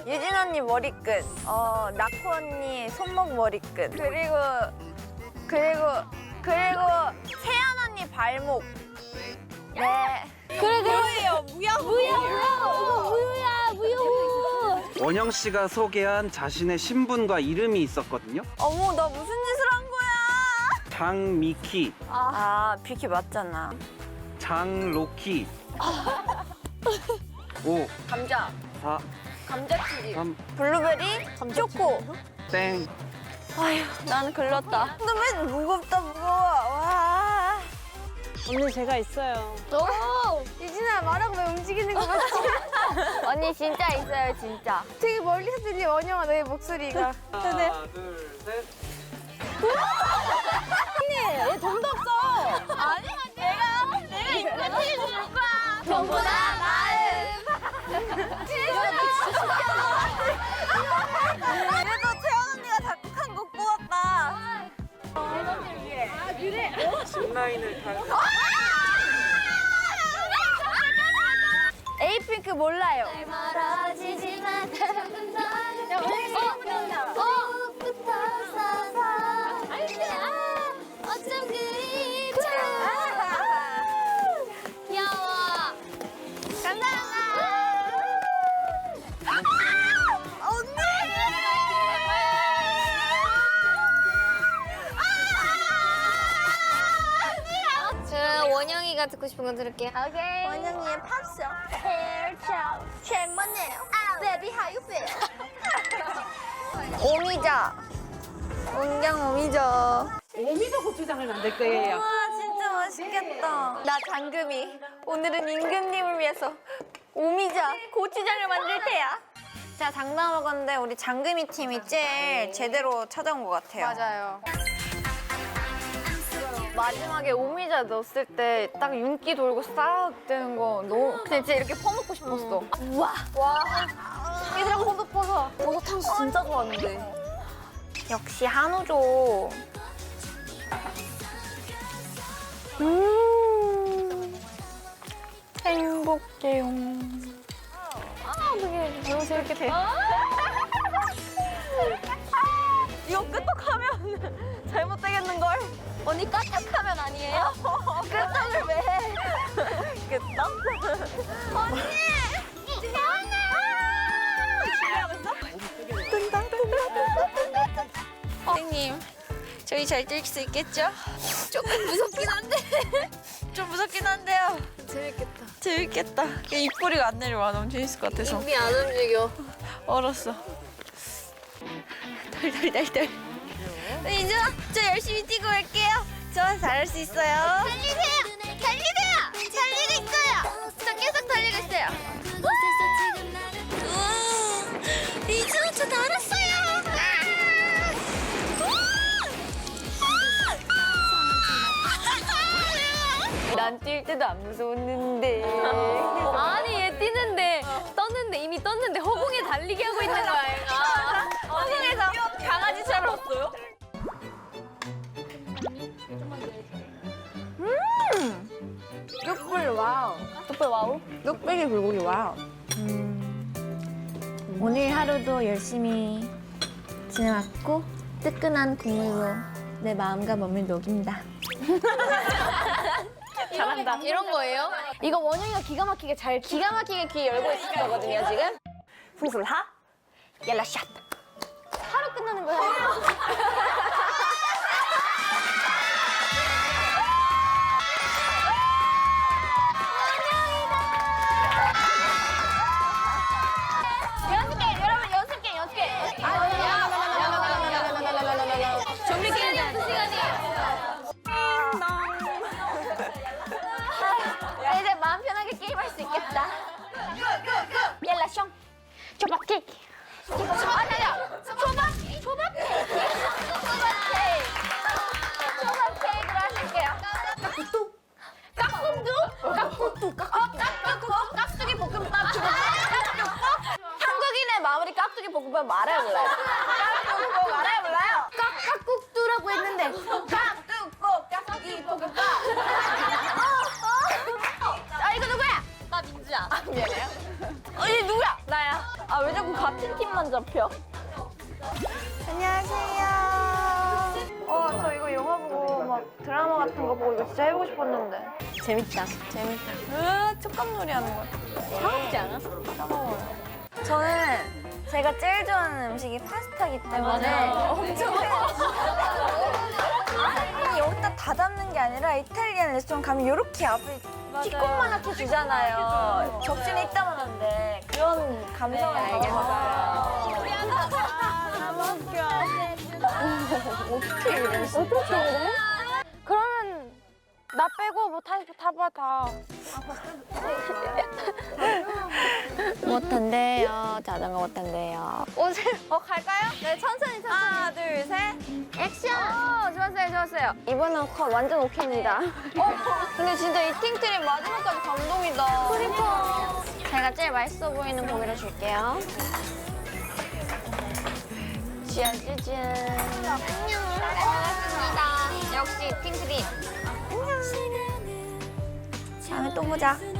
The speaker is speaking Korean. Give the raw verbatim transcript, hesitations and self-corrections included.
유진 언니 머리끝, 어 나코 언니 손목 머리끝, 그리고 그리고 그리고 세연 언니 발목. 네. 그래 그래. 무효예요, 무효. 무효 무효. 이거 무효야 무효. 원영 씨가 소개한 자신의 신분과 이름이 있었거든요. 어머, 나 무슨 짓을 한 거야? 장미키, 아, 비키 맞잖아. 장로키. 오, 감자, 사, 감자튀김, 삼, 블루베리, 초코. 땡. 아휴, 난 글렀다. 근데 왜 무겁다 무거워. 와. 언니 제가 있어요. 오. 유진아, 말하고 왜 움직이는 거 같지? 언니 진짜 있어요, 진짜. 되게 멀리서 들리 원영아, 너의 목소리가. 하나, 둘, 셋. 얘 돈도 없어. 아니, 내가 내가 인간팀 줄 거야. 돈보다 나은. 그래도 채원 언니가 작곡한 곡 뽑았다. 신라인을 타. 에이핑크 몰라요. 멀어지지만 야 부터 서서 어쩜 그리 귀여워. 저 원영이가 듣고 싶은 거 들을게요. 오케이. 원영이의 팝송. Hair chow. Check my nail. Baby, how you feel? 오미자. 온경 오미자. 오미자 고추장을 만들 거예요. 와, 진짜 맛있겠다. 나 장금이. 오늘은 임금님을 위해서 오미자 고추장을 만들 테야. 자, 장담 먹었는데 우리 장금이 팀이 제일 제대로 찾아온 것 같아요. 맞아요. 마지막에 오미자 넣었을 때 딱 윤기 돌고 싹 되는 거 너무 그냥 진짜 이렇게 퍼먹고 싶었어. 우와. 와, 얘들아 버섯 버섯. 버섯 탕수 진짜 좋아하는데. 역시 한우죠. 음, 행복해요. 아, 어떡해. 너무 재밌게 돼. 이거 끄떡하면 잘못되겠는걸? 언니 까딱하면 아니에요? 끄떡을 왜 해? 끄떡? 언니! 선생님, 저희 잘 뛸 수 있겠죠? 조금 무섭긴 한데. 좀 무섭긴 한데요. 재밌겠다. 재밌겠다. 입꼬리가 안 내려와. 너무 재밌을 것 같아서. 입이 안 움직여. 얼었어. 덜덜덜덜. 이제 저 열심히 뛰고 올게요. 저 잘할 수 있어요. 달리세요! 달리세요! 달리고 있어요! 저 계속 달리고 있어요. 우와, 이제 저 날았어요! 난 뛸 때도 안 무서웠는데. 아니, 얘 뛰는데, 떴는데, 이미 떴는데 허공에 달리게 하고 있는 거야, 얘가. 허공에서 강아지처럼 왔어요? 음! 뚝불 와우. 뚝불 와우? 뚝배기 불고기 와우. 음. 오늘 하루도 열심히 지내왔고 뜨끈한 국물로 내 마음과 몸을 녹인다. 잘한다. 이런 거예요? 이거 원영이가 기가 막히게 잘, 기가 막히게 귀 열고 있을 거거든요, 지금. 풍술하? 옐라 샷. 하루 끝나는 거야. 연습 게임 여러분 연습 게임 연습 게임. 준비 시간이 없는 시간이에요. 이제 마음 편하게 게임할 수 있겠다. 옐라 숑. 초밥 케이크. 아, 잠깐. 초밥 초밥 케이크. 초밥 케이크. 초밥 케이크로 하실게요. 깍두두. 깍두두? 깍두두. 깍두두. 깍두두. 깍두기 볶음밥. 한국인의 마무리 깍두기 볶음밥 말해 몰라요. 깍두기 볶음밥 말해 몰라요. 깍깍국두라고 했는데. 깍두고 깍두기 볶음밥. 아, 이거 누구야? 나 민주야. 미안해요. 어, 얘 누구야? 나야. 아, 왜 자꾸 같은 팀만 잡혀? 안녕하세요. 어, 저 이거 영화 보고 막 드라마 같은 거 보고 이거 진짜 해보고 싶었는데. 재밌다. 재밌다. 으, 촉감놀이 하는 거야. 차갑지 않아? 저는 제가 제일 좋아하는 음식이 파스타이기 때문에 엄청 아니 여기다 다 담는 게 아니라 이탈리안 레스토랑 가면 이렇게 앞에 뒷것만하게 주잖아요. 접시는 이따만한데 그런 감성을 알겠어요. 너무 웃겨. 어떻게 이래? 어떻게 이래? 그러면 나 빼고 뭐 다 다 봐 다. 못한대요. 자전거 못한대요. 오세요. 어 갈까요? 네 천천히 천천히. 하나 둘 셋. 액션. 어, 좋았어요 좋았어요. 이번엔 컷 완전 오케이입니다. 어 근데 진짜 이팅 트립 마지막까지 감동이다. 그러니까. 제가 제일 맛있어 보이는 고기를 줄게요. 짜자잔. 안녕. 고맙습니다. 역시 이팅 트립. 안녕. 다음에 또 보자.